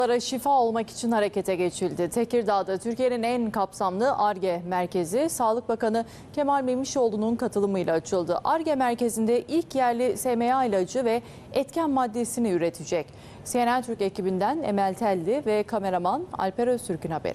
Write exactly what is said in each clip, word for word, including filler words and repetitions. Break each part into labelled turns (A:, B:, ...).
A: Şifa olmak için harekete geçildi. Tekirdağ'da Türkiye'nin en kapsamlı Ar-Ge merkezi Sağlık Bakanı Kemal Memişoğlu'nun katılımıyla açıldı. Ar-Ge merkezinde ilk yerli S M A ilacı ve etken maddesini üretecek. C N N Türk ekibinden Emel Telli ve kameraman Alper Öztürk'ün haberi.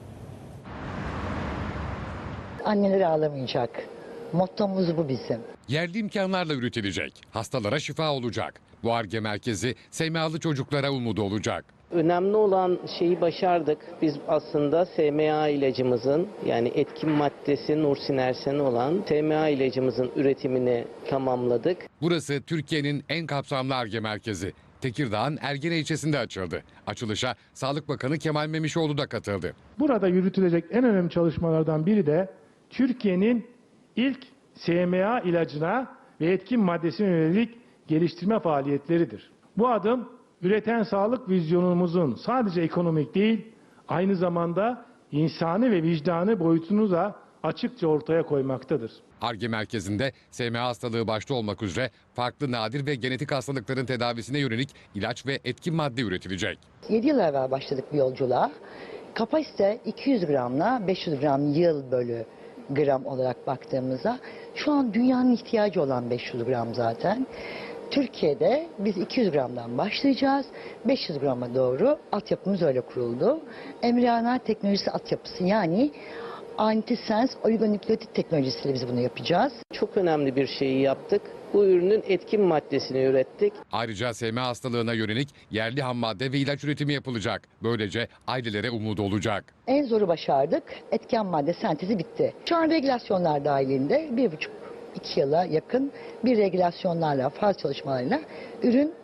B: Anneler ağlamayacak. Mottomuz bu bizim.
C: Yerli imkanlarla üretilecek. Hastalara şifa olacak. Bu Ar-Ge merkezi S M A'lı çocuklara umudu olacak.
D: Önemli olan şeyi başardık. Biz aslında S M A ilacımızın, yani etkin maddesi Nursinersen olan S M A ilacımızın üretimini tamamladık.
C: Burası Türkiye'nin en kapsamlı Ar-Ge merkezi. Tekirdağ'ın Ergene ilçesinde açıldı. Açılışa Sağlık Bakanı Kemal Memişoğlu da katıldı.
E: Burada yürütülecek en önemli çalışmalardan biri de Türkiye'nin ilk S M A ilacına ve etkin maddesine yönelik geliştirme faaliyetleridir. Bu adım üreten sağlık vizyonumuzun sadece ekonomik değil, aynı zamanda insani ve vicdani boyutunu da açıkça ortaya koymaktadır.
C: Ar-Ge merkezinde S M A hastalığı başta olmak üzere farklı nadir ve genetik hastalıkların tedavisine yönelik ilaç ve etkin madde üretilecek.
B: yedi yıl evvel başladık bu yolculuğa. Kapasite iki yüz gramla beş yüz gram yıl bölü gram olarak baktığımızda şu an dünyanın ihtiyacı olan beş yüz gram zaten. Türkiye'de biz iki yüz gramdan başlayacağız. beş yüz grama doğru altyapımız öyle kuruldu. Embriyonel teknolojisi altyapısı, yani antisens oligonükleotit teknolojisiyle biz bunu yapacağız.
D: Çok önemli bir şeyi yaptık. Bu ürünün etkin maddesini ürettik.
C: Ayrıca S M A hastalığına yönelik yerli ham madde ve ilaç üretimi yapılacak. Böylece ailelere umudu olacak.
B: En zoru başardık. Etken madde sentezi bitti. Şu an regülasyonlar dahilinde bir buçuk iki yıla yakın bir regülasyonlarla, faz çalışmalarıyla ürün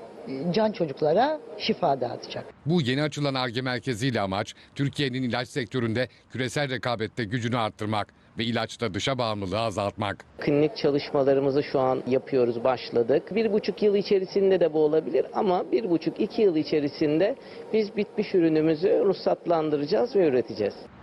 B: can çocuklara şifa dağıtacak.
C: Bu yeni açılan Ar-Ge merkeziyle amaç Türkiye'nin ilaç sektöründe küresel rekabette gücünü arttırmak ve ilaçta dışa bağımlılığı azaltmak.
D: Klinik çalışmalarımızı şu an yapıyoruz, başladık. Bir buçuk yıl içerisinde de bu olabilir ama bir buçuk iki yıl içerisinde biz bitmiş ürünümüzü ruhsatlandıracağız ve üreteceğiz.